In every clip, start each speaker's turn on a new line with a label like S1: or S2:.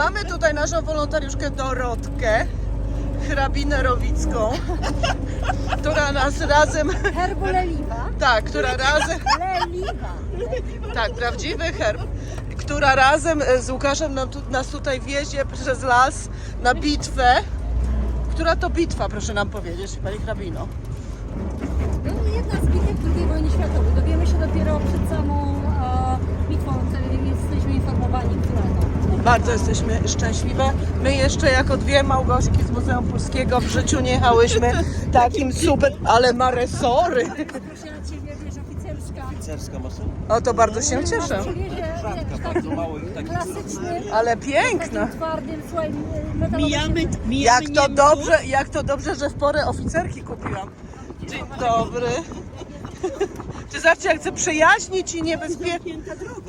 S1: Mamy tutaj naszą wolontariuszkę Dorotkę, hrabinę Rowicką, która nas razem...
S2: Herbu Leliwa.
S1: Tak, która razem...
S2: Leliwa.
S1: Tak, prawdziwy herb, która razem z Łukaszem nas tutaj wiezie przez las na bitwę. Która to bitwa, proszę nam powiedzieć, pani hrabino?
S2: No, jedna z bitew II wojny światowej. Dowiemy się dopiero przed samą bitwą, jesteśmy informowani, która to.
S1: Bardzo jesteśmy szczęśliwe. My jeszcze jako dwie Małgorzki z Muzeum Polskiego w życiu nie jechałyśmy takim super, ale ma resory.
S2: Proszę na Ciebie, wiesz, oficerska.
S3: Oficerska maszyna.
S1: O, to bardzo się cieszę.
S2: Przywiezie taki klasyczny,
S1: Ale piękna.
S2: takim twardym, słuchaj, metalowym.
S1: Jak to dobrze, że w porę oficerki kupiłam. Dzień dobry. Czy zobaczcie, jak chcę przyjaźnić i niebezpiecznie.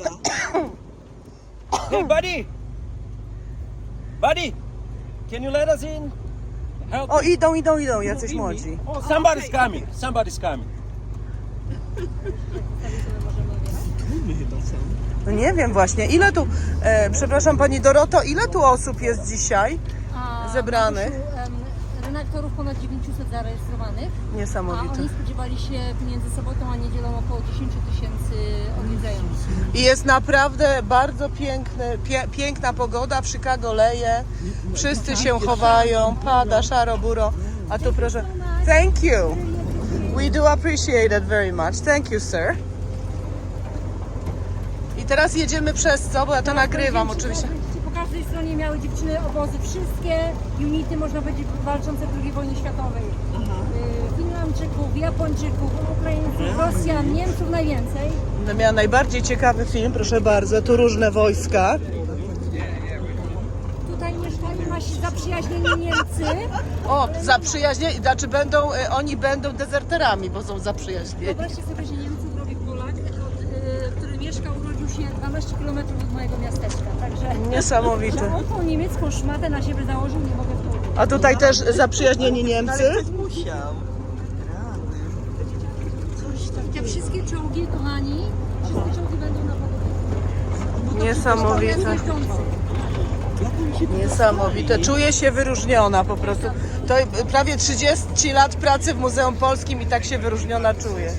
S3: Hey, buddy! Buddy! Can you let us in? Help
S1: O, idą, jacyś młodzi.
S3: Oh, somebody's coming. Somebody's coming.
S1: No nie wiem właśnie, ile tu, przepraszam pani Doroto, ile tu osób jest dzisiaj zebranych?
S2: Redaktorów ponad 900 zarejestrowanych, a
S1: Niesamowite.
S2: oni spodziewali się między sobotą a niedzielą około 10 000 odwiedzających.
S1: I jest naprawdę bardzo piękna pogoda, w Chicago leje, wszyscy się chowają, pada szaro buro, a tu proszę, thank you, we do appreciate it very much, thank you sir. I teraz jedziemy przez co, bo ja to nagrywam oczywiście.
S2: Po każdej stronie miały dziewczyny obozy, wszystkie unity, można powiedzieć, walczące w II wojnie światowej. Finlandczyków, Japończyków, Ukraińców, Rosjan, Niemców najwięcej.
S1: Będę miała najbardziej ciekawy film, proszę bardzo, tu różne wojska.
S2: Tutaj mieszkają nasi zaprzyjaźnieni Niemcy.
S1: O, zaprzyjaźnieni, znaczy oni będą dezerterami, bo są zaprzyjaźnieni.
S2: Wyobraźcie sobie, że Niemców robi Polak, który mieszkał, urodził się 12 km od mojego miasteczka. Także
S1: Niesamowite.
S2: że on tą niemiecką szmatę na siebie założył, nie mogę w to uwierzyć.
S1: A tutaj też zaprzyjaźnieni Niemcy.
S3: Musiał.
S2: Te wszystkie czołgi, kochani, wszystkie czołgi będą na pogodzie.
S1: Niesamowite. Niesamowite. Czuję się wyróżniona po prostu. To prawie 30 lat pracy w Muzeum Polskim i tak się wyróżniona czuję.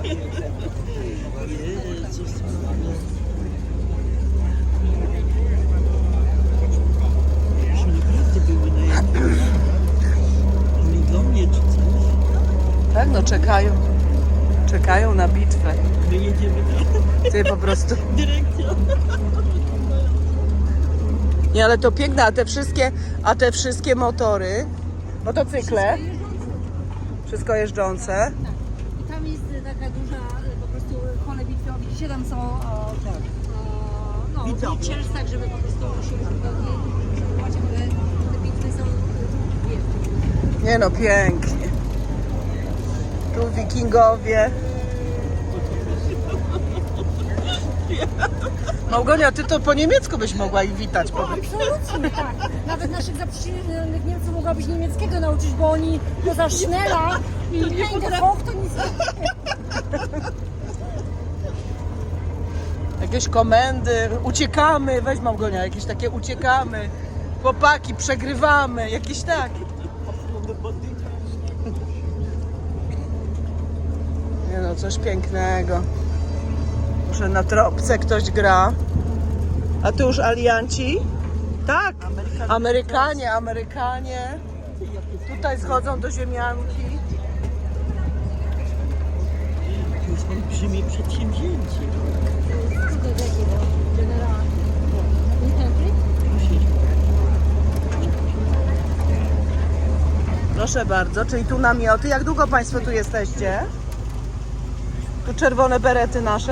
S4: Do mnie czy coś?
S1: Tak, no czekają. Czekają na bitwę.
S4: My jedziemy na
S1: Ty po prostu.
S4: dyrekcję.
S1: Nie, ale to piękne, a te wszystkie motory, motocykle, wszystko jeżdżące.
S2: I tam jest taka duża po prostu pole bitwy. Widzicie, tam są wycielc, tak, żeby po prostu się wygodnie przebywać, ale te bitwy są wielkie.
S1: Nie no, pięknie. Tu wikingowie. Małgonia, ty to po niemiecku byś mogła ich witać.
S2: Absolutnie tak. Nawet naszych zaprzyjaźnionych Niemców mogłabyś niemieckiego nauczyć, bo oni poza Schnella i Hängehoch to nic nie.
S1: Jakieś komendy, uciekamy, weź Małgonia, jakieś takie uciekamy. Chłopaki, przegrywamy, jakieś tak. Nie no, coś pięknego. Może na tropce ktoś gra. A tu już alianci? Tak, Amerykanie. Tutaj schodzą do ziemianki.
S4: To jest olbrzymie przedsięwzięcie.
S1: Proszę bardzo, czyli tu namioty. Jak długo Państwo tu jesteście? Tu czerwone berety nasze?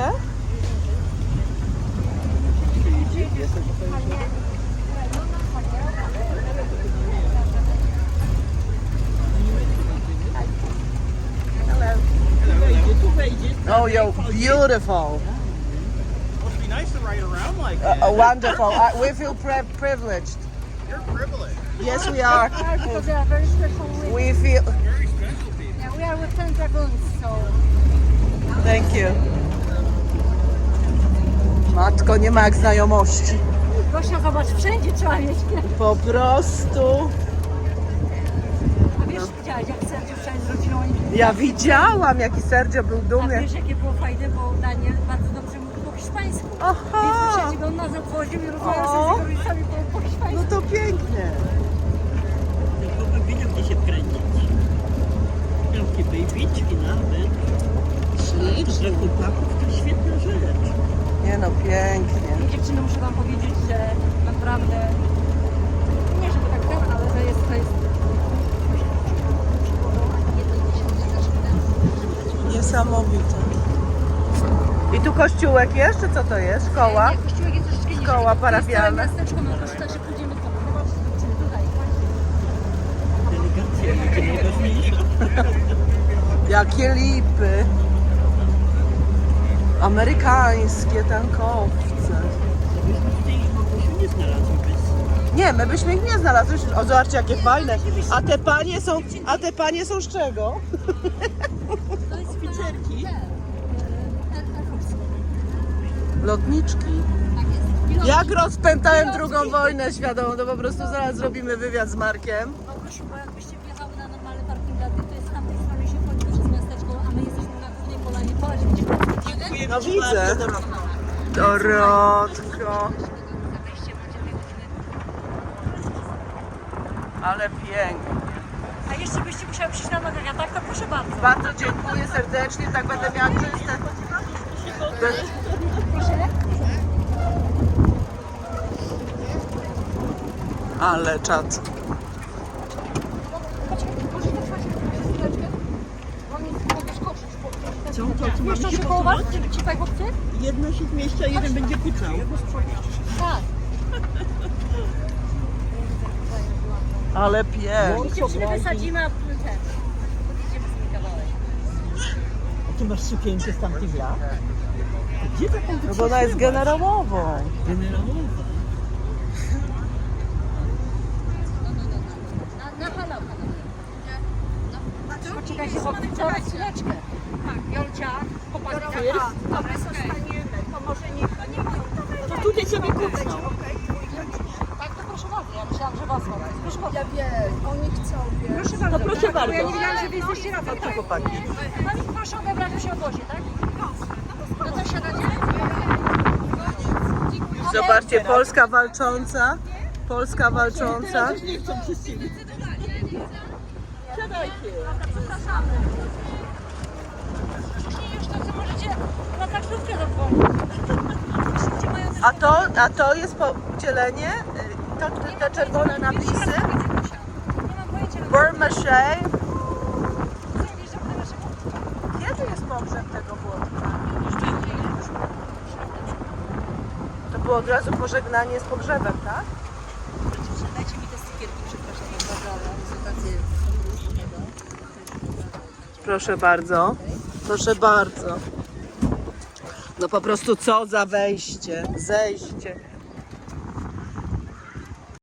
S4: Tu wejdzie.
S1: Oh, you're beautiful.
S5: Must be nice to ride around like that.
S1: Wonderful. We feel privileged.
S5: You're privileged.
S1: Yes, we are.
S2: Because they are very special.
S1: We feel.
S5: Very special people.
S2: Yeah, we are with 10 dragoons, so.
S1: Thank you. Matko, nie ma jak znajomości.
S2: Gosia, zobacz, wszędzie trzeba mieć kwiaty.
S1: Po prostu.
S2: A wiesz, widziałaś, jak Sergio wczoraj z rodziną oni...
S1: Ja widziałam, jaki Sergio był
S2: A
S1: dumny.
S2: wiesz, jakie było fajne, bo Daniel bardzo dobrze mówił po hiszpańsku.
S1: Aha.
S2: Więc przecież on nas obwoził i rozmawiał sobie z jego rodzicami po hiszpańsku.
S1: No to pięknie.
S4: Ten chłopak wiedział, gdzie się wkręcić. Miał takie babyćki nawet.
S1: Ślicznie.
S4: Dla chłopaków to świetna rzecz.
S1: Nie no, pięknie.
S2: I dziewczyny, muszę wam powiedzieć, że naprawdę, nie żeby tak ten, ale to jest
S1: Niesamowite. I tu kościółek jest, czy co to jest? Szkoła?
S2: Nie, kościółek jest troszeczkę niżej.
S1: Szkoła parafialna.
S2: To jest całe miasteczko, no to także pójdziemy tam. Zobaczcie, dziewczyny, tutaj.
S4: Delegacja będzie najważniejsza.
S1: Jakie lipy. Amerykańskie tankowce.
S4: Myśmy tutaj Małgosiu nie znalazły bez...
S1: Nie, my byśmy ich nie znalazły. O, zobaczcie, jakie fajne. A te panie są z czego?
S2: To jest
S4: Oficerki.
S1: Lotniczki. Jak rozpętałem II wojnę światową, to po prostu zaraz zrobimy wywiad z Markiem.
S2: Małgosiu, bo jakbyście wjechały na normalny parking dla tych, to jest z tamtej strony się wchodzi przez miasteczko, a my jesteśmy na głównej polanie. Patrz, widzisz,
S1: No widzę. Dorotko. Ale pięknie.
S2: a jeszcze byście musiały przyjść na nogach, a tak to proszę bardzo.
S1: Bardzo dziękuję serdecznie, tak będę miała czyste.
S2: Proszę.
S1: Ale czad.
S4: Co mamy
S2: Jeszcze
S4: się
S2: się koło was?
S4: posunąć?
S2: Ci faj chłopcy?
S4: Jedno się zmieści, a jeden będzie pucał.
S2: Tak.
S1: Ale pięknie.
S2: I dziewczyny wysadzimy, a ten. Idziemy z nimi kawałek.
S4: A ty masz sukienkę z tamtych lat? Gdzie taką
S1: No bo ona jest generałową.
S4: generałowa?
S2: Na halał. Poczekajcie, chłopcy, zaraz chwileczkę. Jolcia, popatrz.
S4: A my zostaniemy, to może nie to tutaj sobie kucną.
S2: Tak, to proszę bardzo. Ja myślałam, że was mam. Proszę bardzo.
S6: Ja wiem, oni chcą, wiesz.
S2: Proszę bardzo.
S4: No proszę bardzo.
S2: Bo ja nie wiedziałam, że wy jesteście razem. Tak,
S1: Chłopaki.
S2: Pani proszę odebrać przy obozie, tak? No to siadacie?
S1: Zobaczcie, Polska walcząca. Polska walcząca.
S4: Też nie chcą przez ciebie. Siadajcie.
S2: Zapraszamy. Później jeszcze co możecie na taksówkę zadzwonić.
S1: A to jest podzielenie? Te czerwone napisy?
S2: Nie mam pojęcia.
S1: Burmache.
S2: Wiesz, że będę naszego...
S1: Kiedy jest pogrzeb tego Włodka? To było od razu pożegnanie z pogrzebem, tak?
S2: Dajcie mi te stykierki, przepraszam bardzo, ale prezentację.
S1: Proszę bardzo. Proszę bardzo. No po prostu co za wejście, zejście.